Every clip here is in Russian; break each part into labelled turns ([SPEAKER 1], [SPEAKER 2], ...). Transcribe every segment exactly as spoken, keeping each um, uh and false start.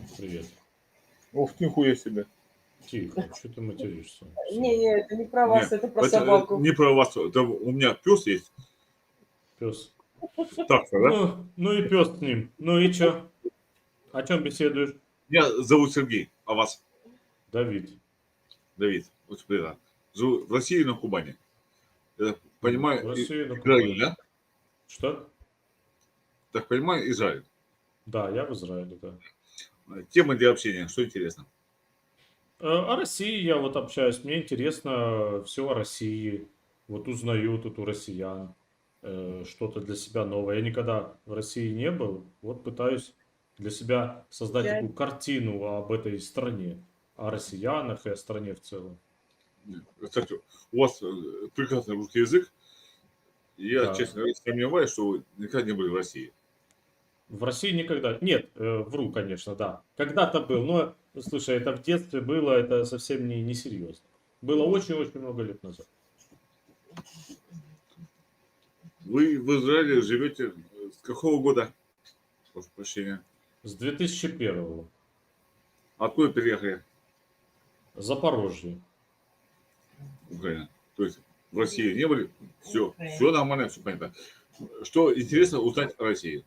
[SPEAKER 1] Привет.
[SPEAKER 2] Ох, нихуя себе.
[SPEAKER 1] Тихо, что ты материшься?
[SPEAKER 3] Не, не, это не про
[SPEAKER 2] Не,
[SPEAKER 3] вас, это про
[SPEAKER 2] это э,
[SPEAKER 3] собаку.
[SPEAKER 2] не про вас. Это у меня пес есть.
[SPEAKER 1] Пес.
[SPEAKER 2] Так-то, да?
[SPEAKER 1] Ну, ну и пес с ним. Ну и чё? О чем беседуешь?
[SPEAKER 2] Меня зовут Сергей, а вас?
[SPEAKER 1] Давид.
[SPEAKER 2] Давид. Очень приятно. Живу в России, на Кубани. Я понимаю,
[SPEAKER 1] В
[SPEAKER 2] и-
[SPEAKER 1] России на
[SPEAKER 2] Израиль,
[SPEAKER 1] Кубани.
[SPEAKER 2] да?
[SPEAKER 1] Что?
[SPEAKER 2] Так понимаю, Израиль.
[SPEAKER 1] Да, я в Израиле, да.
[SPEAKER 2] Тема для общения, что интересно?
[SPEAKER 1] Э, О России я вот общаюсь. Мне интересно все о России. Вот узнаю тут у россиян э, что-то для себя новое. Я никогда в России не был. Вот пытаюсь для себя создать
[SPEAKER 3] Я-
[SPEAKER 1] такую картину об этой стране, о россиянах и о стране в целом.
[SPEAKER 2] Кстати, у вас э, прекрасный русский язык. И я,
[SPEAKER 1] Да.
[SPEAKER 2] честно говоря, сомневаюсь, что вы никогда не были в России.
[SPEAKER 1] В России никогда. Нет, э, вру, конечно, да. Когда-то был, но, слушай, это в детстве было, это совсем не, не серьезно. Было очень-очень много лет назад.
[SPEAKER 2] Вы в Израиле живете э, с какого года? Прошу прощения.
[SPEAKER 1] С две тысячи первого.
[SPEAKER 2] Откуда переехали?
[SPEAKER 1] Запорожье.
[SPEAKER 2] Украина. То есть в России не были? Все, все нормально, все понятно. Что интересно узнать о России?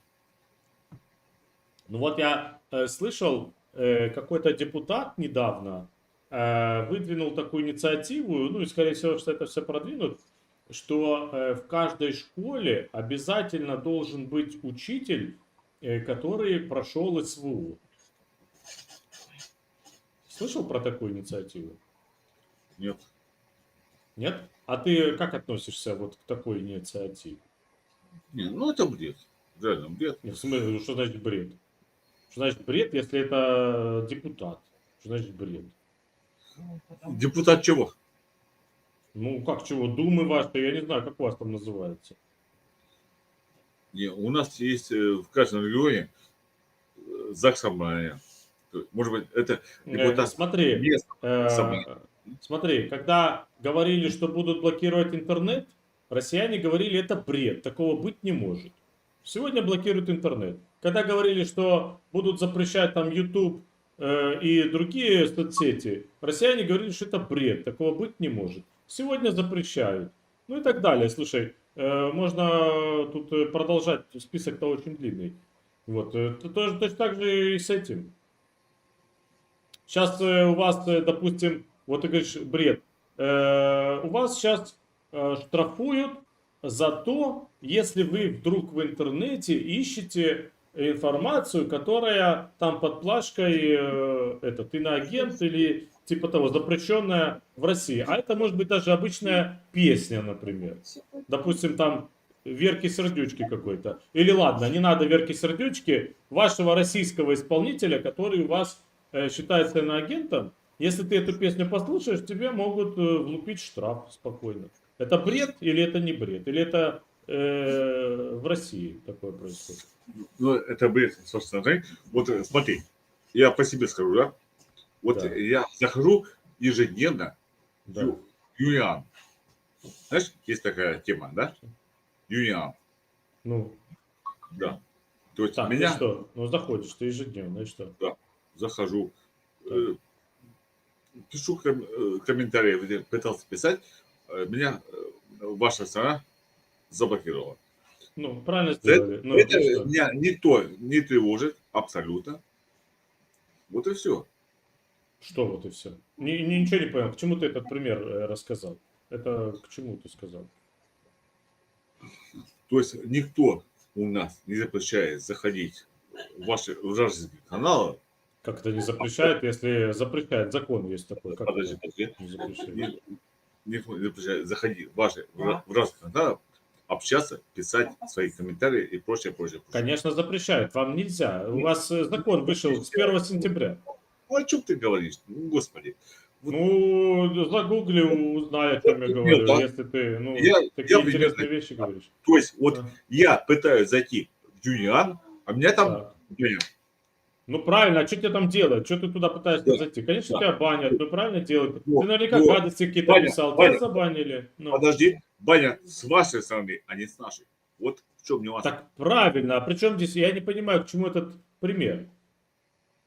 [SPEAKER 1] Ну вот я э, слышал, э, какой-то депутат недавно э, выдвинул такую инициативу, ну и скорее всего, что это все продвинут, что э, в каждой школе обязательно должен быть учитель, э, который прошел СВО. Слышал про такую инициативу?
[SPEAKER 2] Нет.
[SPEAKER 1] Нет? А ты как относишься вот к такой инициативе?
[SPEAKER 2] Не, ну это бред. Реально бред.
[SPEAKER 1] Не, в смысле, что значит бред? Что значит бред, если это депутат? Что значит бред?
[SPEAKER 2] Депутат чего?
[SPEAKER 1] Ну, как чего, Думы ваши, я не знаю, как у вас там называется.
[SPEAKER 2] Не, у нас есть э, в каждом регионе э, ЗАГС собрания. То есть, может быть, это
[SPEAKER 1] Э,
[SPEAKER 2] депутат
[SPEAKER 1] смотри,
[SPEAKER 2] местного собрания.
[SPEAKER 1] э, смотри, когда говорили, что будут блокировать интернет, россияне говорили, это бред, такого быть не может. Сегодня блокируют интернет. Когда говорили, что будут запрещать там YouTube э, и другие соцсети, россияне говорили, что это бред, такого быть не может. Сегодня запрещают. Ну и так далее. Слушай, э, можно тут э, продолжать, список-то очень длинный. Вот, э, то- тоже точно так же и с этим. Сейчас у вас, э, допустим, вот ты говоришь, бред. Э, У вас сейчас э, штрафуют за то, если вы вдруг в интернете ищете информацию, которая там под плашкой э, этот иноагент или типа того, запрещенная в России. А это может быть даже обычная песня, например. Допустим, там Верки Сердючки какой-то. Или ладно, не надо Верки Сердючки, вашего российского исполнителя, который у вас э, считается иноагентом. Если ты эту песню послушаешь, тебе могут э, влупить штраф спокойно. Это бред или это не бред? Или это э, в России такое происходит?
[SPEAKER 2] Ну, это бред, собственно. да. Вот э, смотри, я по себе скажу, да? Вот
[SPEAKER 1] Да.
[SPEAKER 2] я захожу ежедневно в
[SPEAKER 1] Да.
[SPEAKER 2] Ю- Юниан. Знаешь, есть такая тема, да? Юниан.
[SPEAKER 1] Ну,
[SPEAKER 2] Да. То есть
[SPEAKER 1] так,
[SPEAKER 2] меня
[SPEAKER 1] и что? Ну, заходишь ты ежедневно, и что?
[SPEAKER 2] захожу,
[SPEAKER 1] Так.
[SPEAKER 2] э, пишу ком- э, комментарии, где пытался писать, э, меня э, ваша страна заблокировала.
[SPEAKER 1] Ну, правильно
[SPEAKER 2] За Это,
[SPEAKER 1] сделали. Ну,
[SPEAKER 2] это
[SPEAKER 1] и что?
[SPEAKER 2] меня никто не тревожит абсолютно. Вот и все.
[SPEAKER 1] Что вот и все? Ничего не понял. К чему ты этот пример э, рассказал? Это к чему ты сказал?
[SPEAKER 2] То есть никто у нас не запрещает заходить в ваши вражеские каналы.
[SPEAKER 1] Как это не запрещает, если запрещает? Закон есть такой. Как
[SPEAKER 2] Подожди,
[SPEAKER 1] это
[SPEAKER 2] подожди.
[SPEAKER 1] не запрещает?
[SPEAKER 2] Ни- Никто не запрещает заходить в ваши вра- вражеские каналы, общаться, писать свои комментарии и прочее, прочее. прочее.
[SPEAKER 1] Конечно, запрещает. Вам нельзя. У вас э, закон вышел с первого сентября.
[SPEAKER 2] Ну, о чем ты говоришь? Ну, господи. Вот
[SPEAKER 1] Ну, загугли, узнай, о чем я
[SPEAKER 2] Нет,
[SPEAKER 1] говорю.
[SPEAKER 2] да.
[SPEAKER 1] Если ты, ну,
[SPEAKER 2] Я-
[SPEAKER 1] такие
[SPEAKER 2] я примерно-
[SPEAKER 1] интересные вещи говоришь.
[SPEAKER 2] То есть, вот
[SPEAKER 1] Да.
[SPEAKER 2] я пытаюсь зайти в Юниан, а меня там
[SPEAKER 1] Так.
[SPEAKER 2] банят.
[SPEAKER 1] Ну правильно, а что тебе там делать? Что ты туда пытаешься
[SPEAKER 2] Да.
[SPEAKER 1] зайти? Конечно,
[SPEAKER 2] Да.
[SPEAKER 1] тебя банят, ну правильно делают.
[SPEAKER 2] Вот,
[SPEAKER 1] Ты наверняка
[SPEAKER 2] вот.
[SPEAKER 1] гадости какие-то
[SPEAKER 2] Баня,
[SPEAKER 1] писал,
[SPEAKER 2] баня.
[SPEAKER 1] тебя забанили. Ну.
[SPEAKER 2] Подожди, баня с вашей стороны, а не с нашей. Вот в чем нюанс.
[SPEAKER 1] Так правильно, а при чем здесь, я не понимаю, к чему этот пример?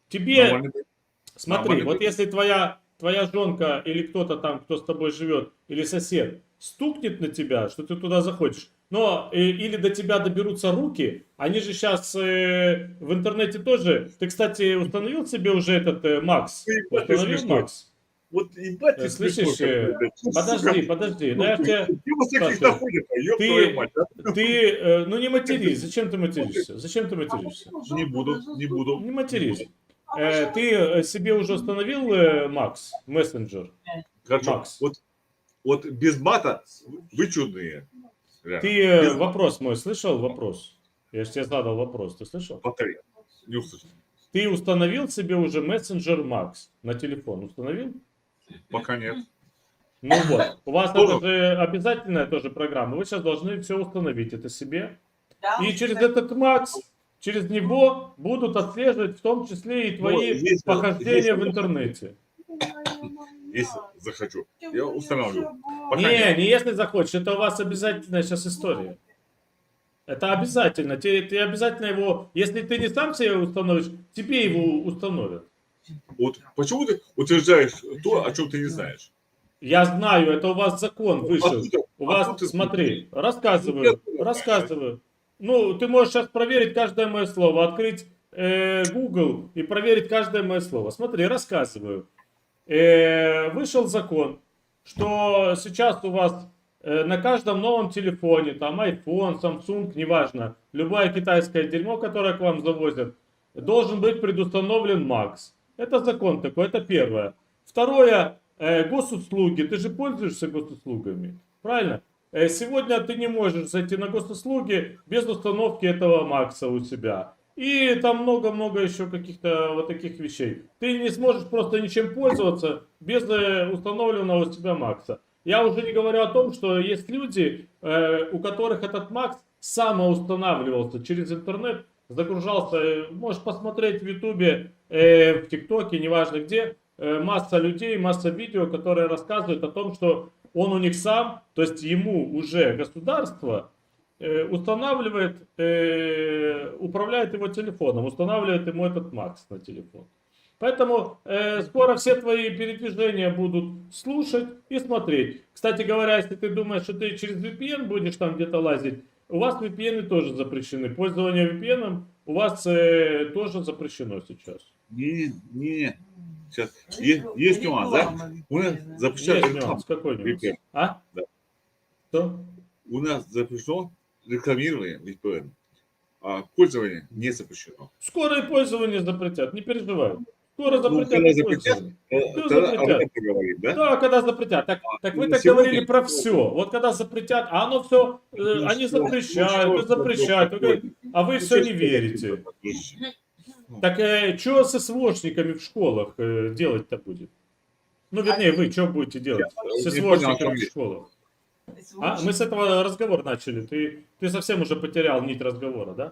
[SPEAKER 1] Тебе,
[SPEAKER 2] Нормальный.
[SPEAKER 1] смотри,
[SPEAKER 2] нормальный
[SPEAKER 1] вот
[SPEAKER 2] прикол.
[SPEAKER 1] если твоя, твоя жонка или кто-то там, кто с тобой живет, или сосед, стукнет на тебя, что ты туда заходишь, но э, или до тебя доберутся руки, они же сейчас в интернете тоже. Ты, кстати, установил себе уже этот э, Макс?
[SPEAKER 2] Ебать ты
[SPEAKER 1] Установил
[SPEAKER 2] смешной.
[SPEAKER 1] Макс?
[SPEAKER 2] Вот ебать
[SPEAKER 1] Э,
[SPEAKER 2] ты смешной
[SPEAKER 1] Слышишь, э,
[SPEAKER 2] какой, блядь. Ну,
[SPEAKER 1] подожди,
[SPEAKER 2] сука.
[SPEAKER 1] подожди, ну
[SPEAKER 2] Ну,
[SPEAKER 1] я ж тебя
[SPEAKER 2] где вас таких
[SPEAKER 1] спрашиваю.
[SPEAKER 2] находят, ёб твою мать,
[SPEAKER 1] Ты,
[SPEAKER 2] а?
[SPEAKER 1] ты, э, ну не матерись, зачем ты материшься? Зачем ты материшься?
[SPEAKER 2] Не буду, не буду.
[SPEAKER 1] Не
[SPEAKER 2] не
[SPEAKER 1] матерись.
[SPEAKER 2] буду.
[SPEAKER 1] Э, ты э, себе уже установил э, Макс, мессенджер?
[SPEAKER 2] Хорошо.
[SPEAKER 1] Макс.
[SPEAKER 2] Вот, вот без мата вы чудные. Реально.
[SPEAKER 1] Ты э,
[SPEAKER 2] Без-
[SPEAKER 1] вопрос мой слышал? Вопрос. Я же тебе задал вопрос, ты слышал?
[SPEAKER 2] Повтори. Не услышал.
[SPEAKER 1] Ты установил себе уже мессенджер Макс на телефон? Установил?
[SPEAKER 2] Пока нет.
[SPEAKER 1] Ну вот, у вас
[SPEAKER 2] Тоже.
[SPEAKER 1] это же обязательная тоже программа. Вы сейчас должны все установить это себе.
[SPEAKER 3] Да,
[SPEAKER 1] И через этот Макс, через него будут отслеживать в том числе и твои
[SPEAKER 2] если-
[SPEAKER 1] похождения
[SPEAKER 2] если-
[SPEAKER 1] в интернете.
[SPEAKER 2] Если захочу, я устанавливаю. Пока
[SPEAKER 1] Не,
[SPEAKER 2] нет.
[SPEAKER 1] не если захочешь, это у вас обязательная сейчас история. Это обязательно. Ты, ты обязательно его, если ты не сам себе установишь, тебе его установят.
[SPEAKER 2] Вот почему ты утверждаешь то, о чем ты не знаешь?
[SPEAKER 1] Я знаю, это у вас закон вышел.
[SPEAKER 2] Откуда-
[SPEAKER 1] У вас,
[SPEAKER 2] откуда ты
[SPEAKER 1] смотри,
[SPEAKER 2] знаешь?
[SPEAKER 1] рассказываю,
[SPEAKER 2] Откуда ты
[SPEAKER 1] рассказываю. Ну, ты можешь сейчас проверить каждое мое слово, открыть э, Google и проверить каждое мое слово. Смотри, рассказываю. Э, вышел закон, что сейчас у вас э, на каждом новом телефоне, там iPhone, Samsung, неважно, любое китайское дерьмо, которое к вам завозят, должен быть предустановлен Макс. Это закон такой, это первое. Второе, э, госуслуги. Ты же пользуешься госуслугами, правильно? Э, сегодня ты не можешь зайти на госуслуги без установки этого Макса у себя. И там много-много еще каких-то вот таких вещей. Ты не сможешь просто ничем пользоваться без э, установленного у себя Макса. Я уже не говорю о том, что есть люди, э, у которых этот Макс самоустанавливался через интернет, загружался. Э, можешь посмотреть в Ютубе, э, в ТикТоке, неважно где, э, масса людей, масса видео, которые рассказывают о том, что он у них сам, то есть ему уже государство э, устанавливает, э, управляет его телефоном, устанавливает ему этот Макс на телефон. Поэтому э, скоро все твои передвижения будут слушать и смотреть. Кстати говоря, если ты думаешь, что ты через ви пи эн будешь там где-то лазить, у вас ви пи эн тоже запрещены. Пользование ви пи эн у вас э, тоже запрещено сейчас.
[SPEAKER 2] Не, не. Сейчас. Есть, есть нюанс, да? У нас запрещают
[SPEAKER 1] Есть
[SPEAKER 2] рекламу.
[SPEAKER 1] нюанс, какой
[SPEAKER 2] ви
[SPEAKER 1] нюанс?
[SPEAKER 2] пи эн.
[SPEAKER 1] А?
[SPEAKER 2] Да.
[SPEAKER 1] Что?
[SPEAKER 2] У нас запрещено рекламирование ви пи эн, а пользование не запрещено.
[SPEAKER 1] Скоро и пользование запретят, не переживай. Скоро
[SPEAKER 2] Ну,
[SPEAKER 1] запретят
[SPEAKER 2] когда
[SPEAKER 1] и
[SPEAKER 2] запретят,
[SPEAKER 1] пользование.
[SPEAKER 2] э,
[SPEAKER 1] Ну,
[SPEAKER 2] тогда об
[SPEAKER 1] запретят.
[SPEAKER 2] этом поговорим, да?
[SPEAKER 1] Да, когда запретят. Так, так вы
[SPEAKER 2] ну,
[SPEAKER 1] так
[SPEAKER 2] сегодня-
[SPEAKER 1] говорили про все. Вот когда запретят, а оно все,
[SPEAKER 2] Ну,
[SPEAKER 1] они
[SPEAKER 2] что-
[SPEAKER 1] запрещают,
[SPEAKER 2] ну,
[SPEAKER 1] и
[SPEAKER 2] что
[SPEAKER 1] запрещают. Вы
[SPEAKER 2] такое?
[SPEAKER 1] говорите, а вы
[SPEAKER 2] Ну,
[SPEAKER 1] все
[SPEAKER 2] что
[SPEAKER 1] не
[SPEAKER 2] ж
[SPEAKER 1] верите.
[SPEAKER 2] такое?
[SPEAKER 1] Так что с СВОшниками в школах э, делать-то будет? Ну, вернее, вы что будете делать
[SPEAKER 2] Я
[SPEAKER 1] с
[SPEAKER 2] не понял, о
[SPEAKER 1] СВОшниками
[SPEAKER 2] чем
[SPEAKER 1] в
[SPEAKER 2] речь.
[SPEAKER 1] школах? А, мы с этого разговора начали. Ты, ты совсем уже потерял нить разговора, да?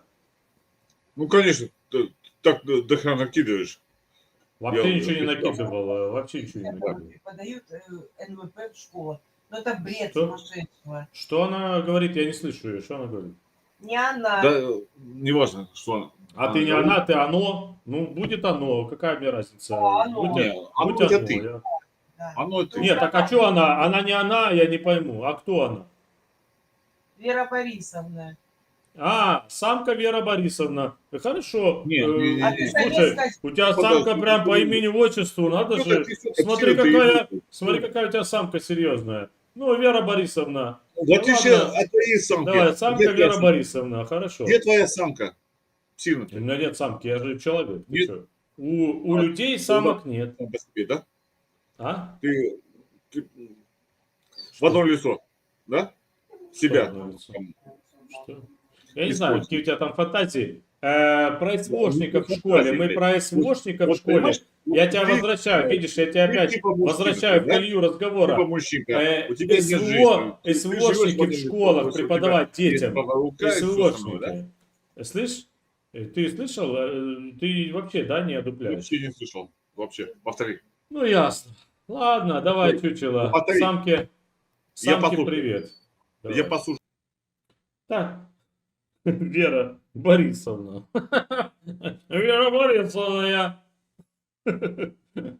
[SPEAKER 2] Ну, конечно, ты так до до хрена накидываешь.
[SPEAKER 1] Вообще
[SPEAKER 2] Я
[SPEAKER 1] ничего не
[SPEAKER 2] уже
[SPEAKER 1] накидывал, э, вообще ничего не накидывал.
[SPEAKER 3] Подают э, эн вэ пэ в школу. Но это бред
[SPEAKER 1] Что?
[SPEAKER 3] сумасшедшего.
[SPEAKER 1] Что она говорит, я не слышу ее, что она говорит?
[SPEAKER 3] Не она.
[SPEAKER 2] Да, э, неважно, что она.
[SPEAKER 1] А ты не
[SPEAKER 2] говорит.
[SPEAKER 1] она, ты оно. Ну, будет оно. Какая мне разница?
[SPEAKER 3] А, оно.
[SPEAKER 1] Будь,
[SPEAKER 2] Не, оно
[SPEAKER 1] будь
[SPEAKER 2] это
[SPEAKER 1] оно,
[SPEAKER 2] ты.
[SPEAKER 1] я-
[SPEAKER 3] Да.
[SPEAKER 2] Оно ты.
[SPEAKER 1] Нет, так а что она? Она не она, я не пойму. А кто она?
[SPEAKER 3] Вера Борисовна.
[SPEAKER 1] А, самка Вера Борисовна. Э, Хорошо.
[SPEAKER 2] Не,
[SPEAKER 1] Э,
[SPEAKER 2] не, не,
[SPEAKER 3] А ты
[SPEAKER 2] не.
[SPEAKER 3] хотел
[SPEAKER 1] Слушай,
[SPEAKER 3] сказать,
[SPEAKER 1] у тебя
[SPEAKER 2] Подожди,
[SPEAKER 1] самка прям по
[SPEAKER 2] подожди.
[SPEAKER 1] имени-отчеству, надо
[SPEAKER 2] Ну,
[SPEAKER 1] же.
[SPEAKER 2] так ты, сука,
[SPEAKER 1] Смотри,
[SPEAKER 2] всё, ты
[SPEAKER 1] какая,
[SPEAKER 2] идёшь.
[SPEAKER 1] смотри, какая у тебя самка серьезная. Ну, Вера Борисовна.
[SPEAKER 2] В
[SPEAKER 1] Да
[SPEAKER 2] отличие
[SPEAKER 1] ладно.
[SPEAKER 2] от твоей самки.
[SPEAKER 1] Давай, самка
[SPEAKER 2] Где твоя
[SPEAKER 1] Вера
[SPEAKER 2] самка?
[SPEAKER 1] Борисовна, хорошо.
[SPEAKER 2] Где твоя самка? Сильно
[SPEAKER 1] У
[SPEAKER 2] ты.
[SPEAKER 1] меня нет самки, я же человек. Ты
[SPEAKER 2] Нет.
[SPEAKER 1] чё? У, у
[SPEAKER 2] А,
[SPEAKER 1] людей самок нет.
[SPEAKER 2] Сам по себе, да?
[SPEAKER 1] А?
[SPEAKER 2] Ты, ты в одно лицо, да? Себя.
[SPEAKER 1] Что одно лицо?
[SPEAKER 2] Там,
[SPEAKER 1] Что? Я не знаю,
[SPEAKER 2] Используй.
[SPEAKER 1] какие у тебя там фантазии. Э, про СВОшников в
[SPEAKER 2] ну,
[SPEAKER 1] школе.
[SPEAKER 2] фантазии,
[SPEAKER 1] Мы
[SPEAKER 2] блядь.
[SPEAKER 1] про СВОшников в
[SPEAKER 2] Вот,
[SPEAKER 1] школе.
[SPEAKER 2] понимаешь,
[SPEAKER 1] Я тебя
[SPEAKER 2] ты-
[SPEAKER 1] возвращаю, видишь, я тебя
[SPEAKER 2] ты
[SPEAKER 1] опять
[SPEAKER 2] типа мужчина,
[SPEAKER 1] возвращаю в
[SPEAKER 2] да?
[SPEAKER 1] колею
[SPEAKER 2] Типа
[SPEAKER 1] разговора.
[SPEAKER 2] мужчинка.
[SPEAKER 1] Э,
[SPEAKER 2] У тебя нет жизни.
[SPEAKER 1] СВО,
[SPEAKER 2] Ты- ты живешь
[SPEAKER 1] СВОшники в
[SPEAKER 2] одном
[SPEAKER 1] школах
[SPEAKER 2] лице,
[SPEAKER 1] преподавать
[SPEAKER 2] у тебя есть
[SPEAKER 1] детям.
[SPEAKER 2] правая рука и всё остальное, да?
[SPEAKER 1] СВОшники. Слышь, э, ты слышал? Э, Ты вообще, да, не одупляешь?
[SPEAKER 2] Вообще не слышал. Вообще. Повтори.
[SPEAKER 1] Ну, ясно. Ладно, давай,
[SPEAKER 2] Повтори.
[SPEAKER 1] чучело.
[SPEAKER 2] Повтори.
[SPEAKER 1] Самке,
[SPEAKER 2] Я
[SPEAKER 1] самке
[SPEAKER 2] послушаю.
[SPEAKER 1] привет. Давай.
[SPEAKER 2] Я послушаю.
[SPEAKER 1] Так, Вера Борисовна. Вера Борисовна, я